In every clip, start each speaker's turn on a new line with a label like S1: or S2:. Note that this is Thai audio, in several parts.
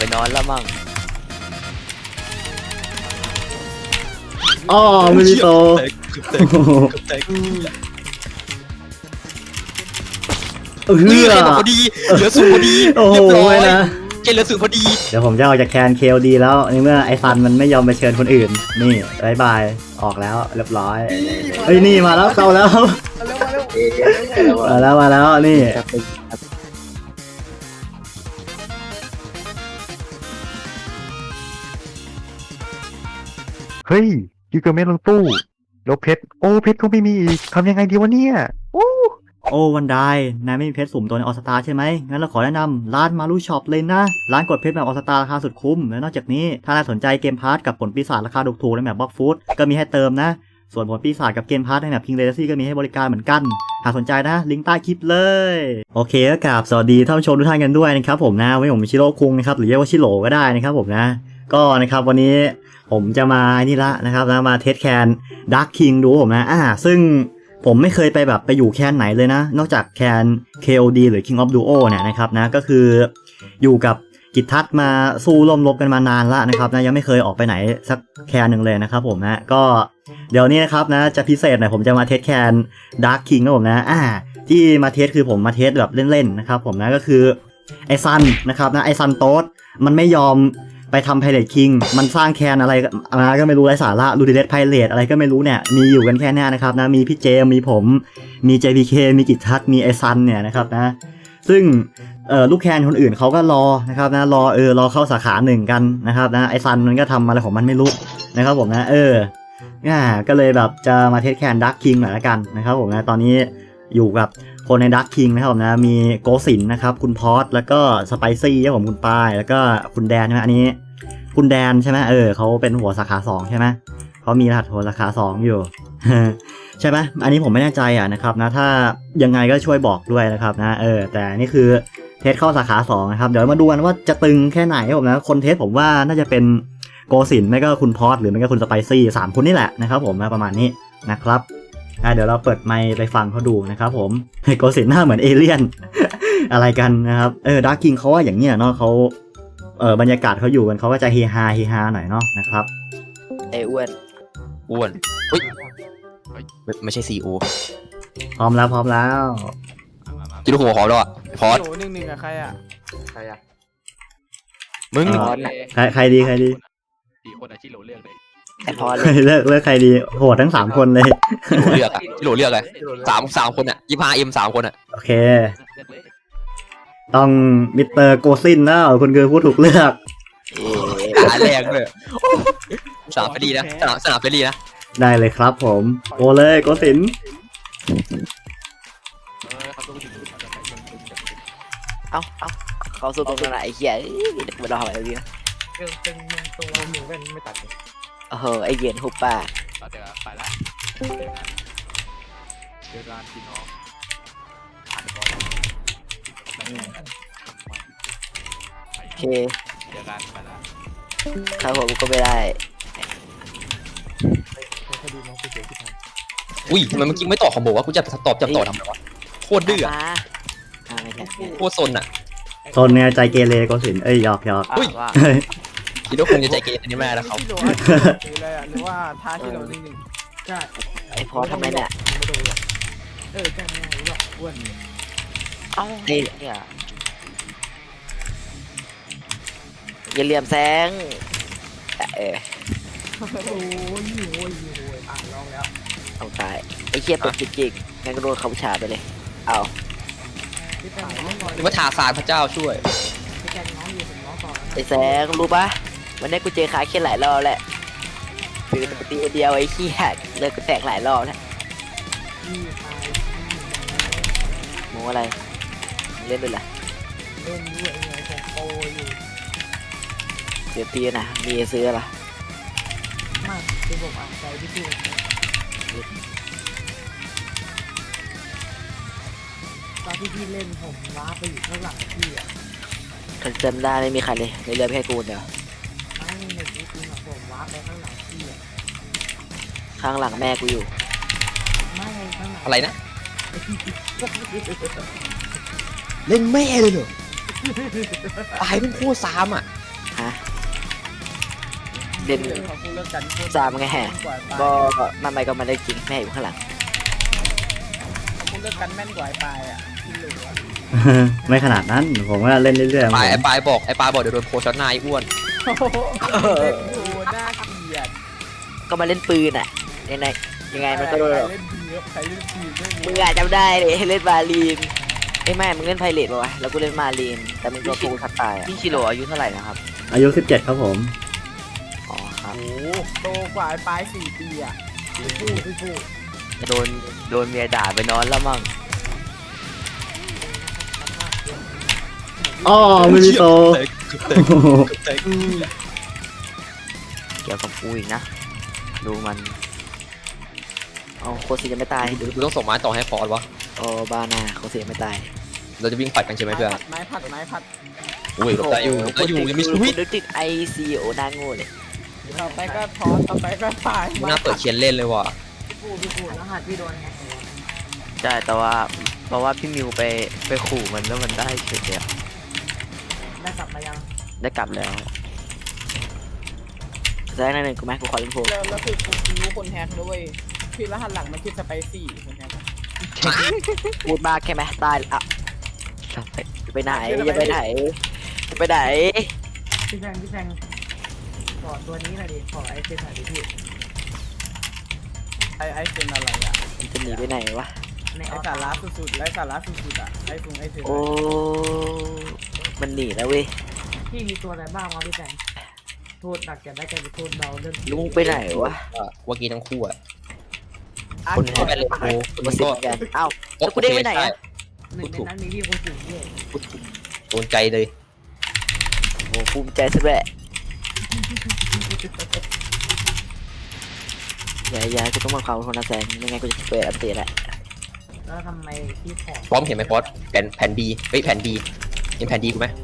S1: นอนแล้วมั่ง
S2: อ๋อมินิโต
S1: นี่เกมพอดีเหลือสูงพอดี
S2: โอ้โห
S1: เรียบร้อย
S2: นะ
S1: เกมเหลือสูงพอดี
S2: เดี๋ยวผมจะออกจากแคนเคลดีแล้วในเมื่อไอซันมันไม่ยอมไปเชิญคนอื่นนี่บายบายออกแล้วเรียบร้อยเฮ้ยนี่มาแล้วเข้าแล้วมาแล้วนี่
S3: เฮ้ยกิเกอร์เมนลงตู้แล้วเพชรโอ้เพชรก็ไม่มีอีกทำยังไงดีวะเนี่ยโอ้
S2: โอ้วันไดนายไม่มีเพชรสุ่มตัวในออสตาใช่ไหมงั้นเราขอแนะนำร้านมารูช็อปเลยนะร้านกดเพชรแบบออสตาราคาสุดคุ้มและนอกจากนี้ถ้านายสนใจเกมพาร์ทกับผลปีศาจราคาถูกๆในแบบบล็อกฟูดก็มีให้เติมนะส่วนผลปีศาจกับเกมพาร์ทในแบบคิงเลเดซี่ก็มีให้บริการเหมือนกันหากสนใจนะลิงก์ใต้คลิปเลยโอเคก็กราบสวัสดีท่านผู้ชมทุกท่านกันด้วยนะครับผมนะวันนี้ผมชิโร่คุงนะครับหรือเรียกว่าชิโร่ก็ได้นะครับผมนะก็นะครับวันนี้ผมจะมานี่ละนะครับนะมาเทสแคนดาร์คคิงดูผมนะซึ่งผมไม่เคยไปแบบไปอยู่แคนไหนเลยนะนอกจากแคน KOD หรือ King of Duo เนี่ยนะครับนะก็คืออยู่กับกิจทัศน์มาสู้ร่วมรบกันมานานละนะครับนะยังไม่เคยออกไปไหนสักแคนหนึ่งเลยนะครับผมนะก็เดี๋ยวนี้นะครับนะจะพิเศษหน่อยผมจะมาเทสแคน Dark King นะผมนะที่มาเทสคือผมมาเทสแบบเล่นๆนะครับผมนะก็คือไอซันนะครับนะไอซันโต๊ดมันไม่ยอมไปทำไพเรตคิงมันสร้างแคนอะไรมาก็ไม่รู้ไร้สาระลูดิเดสไพเรตอะไรก็ไม่รู้เนี่ยมีอยู่กันแค่นี้นะครับนะมีพี่เจมีผมมี JPK มีกิจทัศน์มีไอซันเนี่ยนะครับนะซึ่งลูกแคนคนอื่นเขาก็รอนะครับนะรอเข้าสาขาหนึ่งกันนะครับนะไอซันมันก็ทำอะไรของมันไม่รู้นะครับผมนะก็เลยแบบจะมาเทสแคนดักคิงหน่อยละกันนะครับผมนะตอนนี้อยู่กับคนในดักคิงนะครับผมนะมีโกสินนะครับคุณพอสแล้วก็สไปซี่ครับผมคุณปายแล้วก็คุณแดนใช่ไหมอันนี้คุณแดนใช่ไหมเขาเป็นหัวสาขา2ใช่ไหมเขามีรหัสหัวสาขา2อยู่ ใช่ไหมอันนี้ผมไม่แน่ใจนะครับนะถ้ายังไงก็ช่วยบอกด้วยนะครับนะแต่นี่คือเทสเข้าสาขา2นะครับเดี๋ยวมาดูกันว่าจะตึงแค่ไหนครับผมนะคนเทสผมว่าน่าจะเป็นโกสินไม่ก็คุณพอสหรือไม่ก็คุณสไปซี่3คนนี่แหละนะครับผมประมาณนี้นะครับเดี๋ยวเราเปิดไมค์ไปฟังเขาดูนะครับผมโกสินหน้าเหมือนเอเลี่ยน อะไรกันนะครับดาร์กคิงเขาว่าอย่างเนี้ยเนาะเขาบรรยากาศเขาอยู่กันเขาก็จะเฮฮาหน่อยเนาะนะครับ
S1: ไอ้อ้วนเฮ้ยไม่ใช่ซีโอ
S2: พร้อมแล้ว
S1: จิโร่หัวหอมแล้วอ่ะพอส
S4: โหนึ่งอะใครอะ
S1: มึง
S2: ใครดี
S5: สี่คนอาชิโร่เลือกเลย
S1: ไอ้พอส
S2: เลือกใครดีโหดทั้ง3คนเลย
S1: จิโร่เลือกเลยสามคนอ่ะ25M 3 คนอ่ะ
S2: โอเค
S5: เลือกเลย
S2: ต้องมิสเตอร์โกซินแล้วคุณคือผู้ถูกเลือก
S1: หาแรงเลยสนามเฟรดีนะสนามเฟรดีนะ
S2: ได้เลยครับผมโอเลยโกซิน
S5: เขาต้องถึง
S1: เอ้าเขาสู้ตรงนั้นไอ้เหี้ยมันรออะไรดีนะ
S4: ตึงมึงตรงเราหนูเป็นไม่ตัดเลย
S1: ไอ้เย็นหุบป่า
S5: ต่อเดี๋ยวไปละเจอกันพี่น้องผ่านบอล
S1: โอเค
S5: เจอกันไปละ
S1: ครับผมก็ไม่ได้
S4: คดีน้องกูเสียที่ไหน
S1: อุ้ยทำไมเมื่อกี้ไม่ตอบของบอกว่ากูจะตอบทำไมวะโคตรดื้อไม่ใช่โคตรซนอ่ะ
S2: โซนเนี่ยใจเกเรโกซินหยอก
S1: อุ้ย คิดว่าคงจะใจเกเรอันนี้ไม่ได้แล้วเขา
S4: ที่โหลหรืออะไรอะหรือว่าท้าที่โหลนิดนึงใช่
S1: ไอ้พอทำไมเนี่ย
S4: ไม่โดนหรอกใช่ไม่รู้หรอกอ้วน
S1: เอ้าเนี่ยอย่าเหลี่ยมแสง
S4: โอ้ยลองแล้ว
S1: เอาตายไอ้เคียเป็นจริงๆงั้นก็โดนเขาฉาไปเลยเอา
S4: พี่แตงน้องก่อน
S1: หรือว่าทาซานพระเจ้าช่วย
S4: พี่แตงน้องอยู่ผมน้องก่อน
S1: ไอ้แสงรู้ปะวันนี้กูเจอขาเคียนหลายรอบแหละคือปกติเดียวไอ้เคียเลิกกูแตกหลายรอบแล้ว
S4: พี่ชาย
S1: โมอะไรเล่นด้วยล่ะ
S4: เล่นด้วยไงผมโปอยู่
S1: เดี๋ยวตีนะมีซื้อละ
S4: มากคือผมอ่านใจพี่พูดตอนที่พี่เล่นผมล้าไปอยู่ข้างหลังพี่อะ
S1: ฉันจำได้ไม่มีใครเลยในเรือแค่กูเดียว
S4: ไม่ในชีวิตจริงอะผมล้าไปข้างหลังพี่อะ
S1: ข้างหลังแม่กูอยู่
S4: ไม่ข้างหลัง
S1: อะไรนะเล่นแม่เลยเหรอตายเป็นคู่ซ้ำอ่ะเด่น
S4: เขาพูดเรื่องกันโคตร
S1: สามไงแฮะ
S4: กว่าปลาย
S1: ก็มันไม่ก็ไม่ได้จริงแม่อยู่ข้างหลัง
S4: เขาพูดเรื่องกันแม่นกว่าไอ้ปลายอ่ะที่เหลือ
S2: ไม่ขนาดนั้น ผมว่าเล่นเรื่อยๆ
S6: ปลาย
S2: ผม
S6: ไอ้ปลายบอกเดี๋ยวโดนโพช็อตหน้าไอ้อ้วน
S4: โอ้โหเด็กดูน่าเกลียด
S1: ก็มาเล่นปืนอ่ะยังไงมันก็โดน
S4: ใครเล่นทีเยอะใครเล่นทีเยอะ
S1: มึงอาจจำได้เลยเล่นมารีนไม่มึงเล่นไพเรตป่าวะแล้วกูเล่นมารีนแต่มึงโดนกูทับตายอ่ะพี่ชิโร่อายุเท่าไหร่นะครับ
S2: อายุ 17 ครับผม
S1: อ๋อครับ
S4: โอ้โหโตกว่าไอ้ปลาย4 ปีอ่ะพี่ฟู
S1: โดนเมียด่าไปนอนแล้วมั่ง
S2: อ๋อมินิโต
S1: เกี่ยวกับกูอีกนะดูมันเอาโคซีจะไม่ตาย
S6: กูต้องส่งไม้ต่อให้ฟอสวะ
S1: โอ้บ้าน่าโคซีไม่ตาย
S6: เราจะวิ่งปัดกันใช่ไหมเพื่อน
S4: ไม้ผัด
S6: อุ้ยหลบได้อยู่ยังมีชีวิต
S1: นึกถึงไอซีโอนาโง่เลย
S4: ต่อไปก็ทอสต่อไปก็ปลาย
S6: มึงน่าเปิดเคียนเล่นเลยว่ะ
S4: พี่ฟูรหัสพี่โดนแฮก
S1: ใช่แต่ว่าเพราะว่าพี่มิวไปขู่มันแล้วมันได้เฉยเดียว
S4: ได้กลับมายัง
S1: ได้กลับแล้วแซงนั่นหนึ่งกูไหมกูขอเล่นโพ
S4: แล้วคือกูรู้คนแฮกด้วยพี่รหัสหลังมันคิดสไปซี่คนแฮก
S1: พูดมากแค่ไหมตายอ่ะไปไหนจะไปไหนจะไปไหน
S4: พี่แซงขอตัวนี้หน่อยดิขอไอเซนหน่อยดิพี่ไอเซนอะไรอ่ะ
S1: มันจะหนีไปไหนวะ
S4: ไอสาระสุดๆไอสาระสุดๆอ่ะไอเซน
S1: โอ้มันหนีแล้วเว้ย
S4: พี่มีตัวอะไรบ้างวะพี่แซงโทษหนักจะได้กลายเป็นโทษเบาเรื่อง
S1: ลุงไปไหนวะ
S6: ว่ากี้ทั้งคู่อ่ะ
S1: คน
S6: ก็ไปเลยโอ้
S1: มาสิบกันอ้าวแล้วกูได้ไปไหนอ่ะ
S4: หนึ่งในนั้นมีพี่คนสูงด้วย
S6: โดนใจเลย
S1: โอ้ภูมิใจสุดแหละอย่ากูต้องมาเขาคนละแสงไม่งั้นกูจะเปิดอัปเดตแหละ
S4: แล้วทำไมพี่ขอ
S6: พร้อมเห็นไหมฟอสแผ่นดีเฮ้ยแผ่นดีเห็นแผ่นดีกูไหม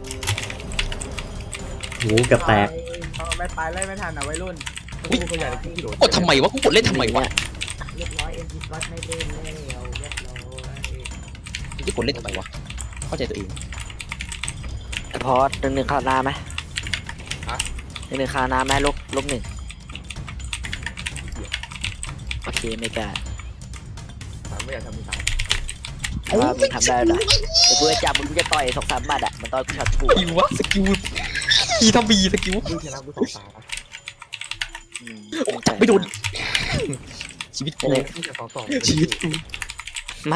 S2: หูเกือบแตก
S4: ไม่ไปไล่ไม่ทันอ่ะวัยรุ่น
S6: กดทำไมวะกูกดเล่นทำไมวะ
S4: เรียบร้อยเอ็นจีวัดไม่เล่นแล้วเรียบร้อย
S6: กูกดเล่นทำไมวะเข้าใจตัวเอง
S1: พอหนึ่งคานาไหมหนึ่งคานาไหมลบหนึ่งโอเคไม่กล้า
S5: ไม่อยากทำมือสาม
S1: แต่ว่ามึงทำได้เหรอแต่กูจะจับมึงจะต่อย2-3หมัดอ่ะมันต่อยกูช็อตกู
S6: อีวะสกิลอีทำบีสกิล
S5: ดูชนะกูสองตา
S6: จับไม่โดนชีวิตกู
S5: มึงอยากสอง
S6: ชีวิตกู
S1: ไม่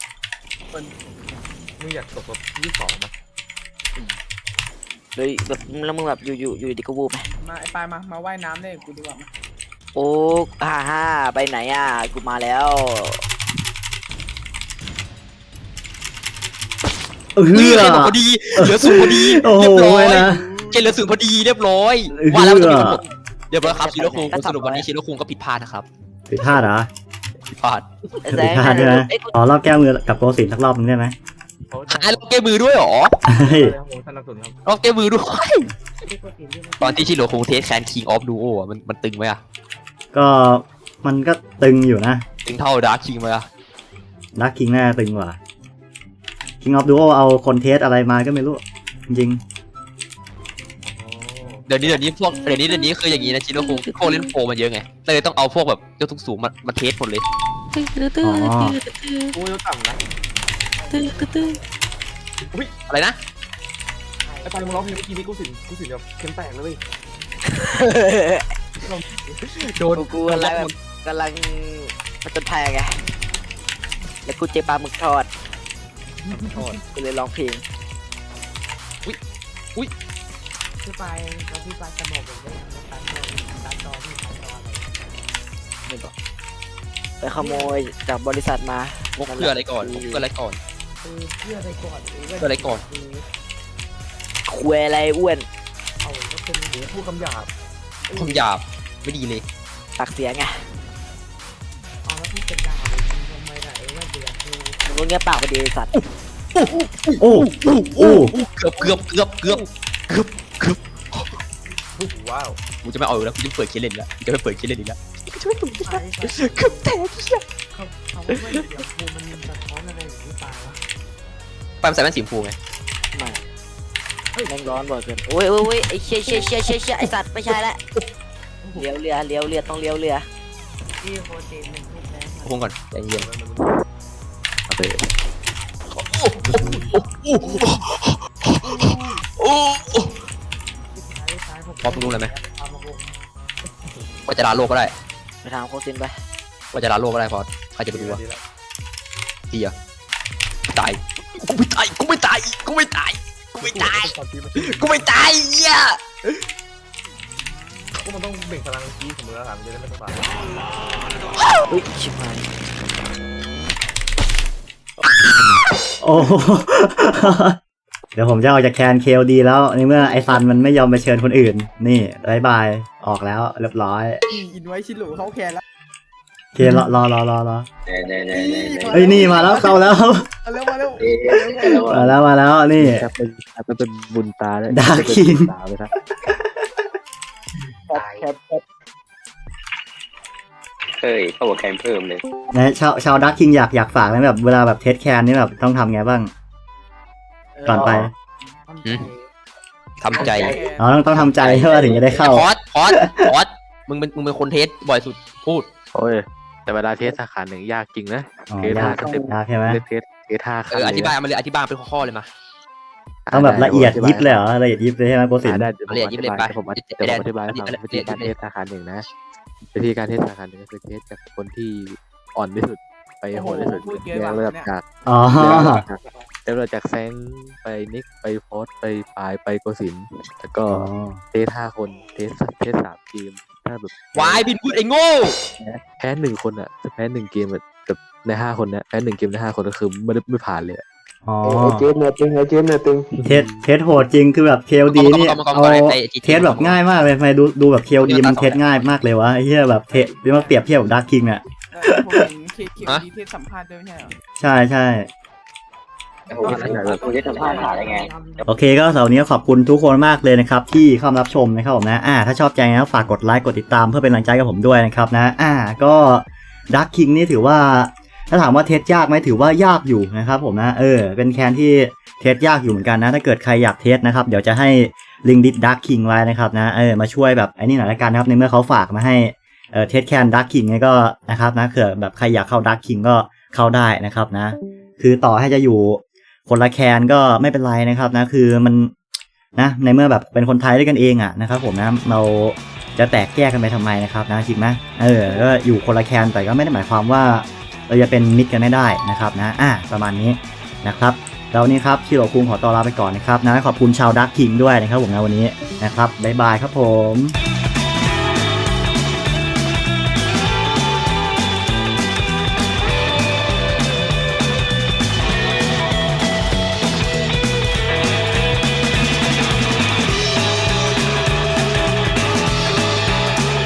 S5: มึงอยากตกแบบ22มั้ย
S1: เลยแบบแล้วมึงแบบอยู่ดีก็วูบไหม
S4: มาไอปลายมาว่ายน้ำเล่นกูดีกว่า
S1: โอ้ฮ่าไปไหนอ่ะกูมาแล้ว
S6: นี่ใครบอกพอดีเหลือศูนย์พอดี
S2: โอ้โห
S6: เรียบร้อย
S2: นะ
S6: เกณฑ์เหลือศูนย์พอดีเรียบร้อยว่าแล้วมันจะมีทั้งหมดเรียบร้อยครับชิโร่คุงสรุปวันนี้ชิโร่คุงก็ผิดพลาดนะครับ
S2: ผิดพลาดเหรอ
S6: ผิดพลาด
S1: แซ
S2: ผิด
S1: ง
S2: พลาดใช่ไหม
S1: ไอ้กู
S2: อ๋อรอบแก้มือกับโกสินสักรอบนึงได้ไหม
S6: หาล็อกเกมือด้วยเหรอ
S2: เฮ้ย
S5: โอ้สนับสนุนครับ
S6: ล็อกเกมือด้วยตอนที่ชิโร่คุงเทสแคน King of Duo อ่ะมันตึงไหมอ่ะ
S2: ก็มันก็ตึงอยู่นะ
S6: ตึงเท่าดาร์คคิงไหมอ่ะ
S2: ดักคิงน่าตึงกว่า King of Duo เอาคนเทสอะไรมาก็ไม่รู้ จริง
S6: เดี๋ยวนี้คืออย่างนี้นะชิโร่คุงพวกเล่นโปรมันเยอะไงเลยต้องเอาพวกแบบยกสูงมาเทสหมดเลย
S2: ๆอ๋อ
S5: กูยกต่ำนะ
S6: อะไรนะ
S5: ไอ้ปลายมึงร้องเพลงเมื่อกี้นี้กูสินแบบเข้มแตกเลย
S6: โดน
S1: กูอะไรแบบกำลังมันจนภัยไงแล้วกูเจอปลาหมึกทอดกูเลยร้องเพลง
S4: พี่ปลายเราพี่ปลายจะบอกผมว่าตัดต่อพี่ตัดต่ออะไร
S1: ไม่บอกไปขโมยจากบริษัทมา
S6: มุกเพื่ออะไรก่อนมุกเพื่ออะไรก่อน
S4: คือเพื่ออะไรก่อน
S6: เพื่ออะไรก่อน
S1: คุยอะไรอ้วน
S4: เอาก็เป็น
S5: โอ้พูดคำหยาบ
S6: ความหยาบไม่ดีเลย
S1: ปากเสียงไง
S4: เอาแล้วพี่จะด่าทำไมล่ะว่าเดือดคือ
S1: มึงเงี้ยปากไปดีสัตว์
S2: โอ้โอ้
S6: เกือบ
S5: ว้าว
S6: กูจะไม่เอาอีกแล้วกูจะเปิดเคสเล่นแล้วกูจะไม่เปิดเคสเล่นอีกแล้ว
S4: ใช่
S6: เกือบแตก
S4: เขาว่าเดี๋ยวกูมันสะท้อนอะไรอย่างนี้ปลายวะ
S6: ไปมันใส่แว่นสีชมพูไง
S1: ไม่แรงร้อนบ่อยเกินโอ้ยไอ้เชี่ยไอ้สัตว์ไม่ใช่ละเลี้ยวเรือต้องเลี้ยวเรือ
S4: ที่โปรตีนหนึ่งลูกนะ
S6: คงก่อนใจเย็น
S3: โอเค
S6: โอ้
S4: ท้ายผม
S6: พอรู้เลยไหม
S4: เอามาบุก
S6: ว่าจะลาโลกก็ได้
S1: ไปทางโคซินไป
S6: ว่าจะลาโลกก็ได้พอใครจะไปดูวะ
S5: ดีแล้ว
S6: ดีอะตายกูไม่ตายกูไม่ตายกูไม่ตายกูไม่ตาย
S5: ตอนที่มัน
S6: กูไม่ตายเหี้ย
S5: ก็มันต้องเบ่งพลังกี้ของมือแล้วหลังจะได้ไม่ต้องตาย
S1: อุ้ยชิบหาย
S2: โอ้โห เดี๋ยวผมจะออกจากแคนเคลดีแล้วในเมื่อไอซันมันไม่ยอมไปเชิญคนอื่น นี่บายบายออกแล้วเรียบร้อย
S4: อินไว้ชิลูเขาแคนแล้ว
S2: เครอเฮ้ย
S4: เฮ้
S2: นี่มาแล้วเข้าแล้ว
S4: มาเร็วมาเร็ว
S2: มาแล้วนี่
S3: จะเป็นบุญตาเลย
S2: Dark King
S3: ตาไปครับ
S7: เฮ้ยเข้าหัวแคนเพิ่มเลย
S2: นะชาวดักคิงอยากฝากไหมแบบเวลาแบบเทสแคนนี่แบบต้องทำไงบ้าง ก่อนไป
S6: ทำใจ
S2: อ๋อต้องทำใจใช่ป่ะถึงจะได้เข้า
S6: พอดมึงเป็นคนเทสบ่อยสุดพูด
S3: โอ้ยแต่เวลาเทสสาขาหนึ่งยากจริงนะ
S2: อ๋อ
S3: เทสห้าย
S2: าก
S3: สเต็ป
S2: ยากใช่ไหม
S3: เทสห้าครั้ง
S6: อธิบายมาเลยอธิบายเป็นข้อๆเลยมา
S2: ต้องแบบละเอียดยิบเลยเหรอละเอียดยิบเลยใช่ไหมโกสิน
S3: ได้
S6: ละเอียดยิบเลยไป
S3: ผมอธิบายให้ฟังวิธีการเทสสาขาหนึ่งนะวิธีการเทสสาขาหนึ่งก็คือเทสจากคนที่อ่อนที่สุดไปโหดที่สุดเรียงระดับจาก
S2: อ๋อ
S3: เริ่มจากแซงไปนิกไปโพสไปปลายไปโกสินแล้วก็เทส5 คนเทส3 ทีมถ้าแบบ
S6: วายบินพูดไอ้โง่
S3: แพ้1 คนอ่ะจะแพ้1 เกมแบบใน5 คนเนี้ยแพ้1 เกมใน5 คนก็คือไม่ผ่านเลย
S2: อ๋อ
S7: เจนเนี่ยตึง
S2: เทสโหดจริงคือแบบเคลดีนี่เอาเทสแบบง่ายมากเลยทำไมดูแบบเคลดีมันเทสง่ายมากเลยวะไอ้เหี้ยแบบเทสมาเปรียบเทียบกับดักคิงเนี่ย
S4: ผมเห็นเคดีเทศสัมภาษณ์ด้วยไม่ใช่เหรอ
S2: ใช่
S7: โอ้โหคุณจะทำพลาดหาได้ไง
S2: โอเคก็สำหรับวันนี้ก็ขอบคุณทุกคนมากเลยนะครับที่เข้ามารับชมนะครับผมนะถ้าชอบใจนะฝากกดไลค์กดติดตามเพื่อเป็นกำลังใจกับผมด้วยนะครับนะก็ดักคิงนี่ถือว่าถ้าถามว่าเทสยากไหมถือว่ายากอยู่นะครับผมนะเป็นแคนที่เทสยากอยู่เหมือนกันนะถ้าเกิดใครอยากเทสนะครับเดี๋ยวจะให้ลิงดิสดักคิงไว้นะครับนะมาช่วยแบบไอ้นี่หน่อยละกันนะครับในเมื่อเขาฝากมาให้เทสแคนดักคิงนี่ก็นะครับนะเผื่อแบบใครอยากเข้าดักคิงก็เข้าได้นะครับนะคือต่อให้จะอยู่คนละแคนก็ไม่เป็นไรนะครับนะคือมันนะในเมื่อแบบเป็นคนไทยด้วยกันเองอ่ะนะครับผมนะเราจะแตกแยกกันไปทำไมนะครับนะจริงไหมก็อยู่คนละแคนแต่ก็ไม่ได้หมายความว่าเราจะเป็นมิตรกันไม่ได้นะครับนะประมาณนี้นะครับแล้ววันนี้ครับชิโร่คุงขอตัวลาไปก่อนนะครับนะขอบคุณชาวดักคิงด้วยนะครับผมนะวันนี้นะครับบ๊ายบายครับผม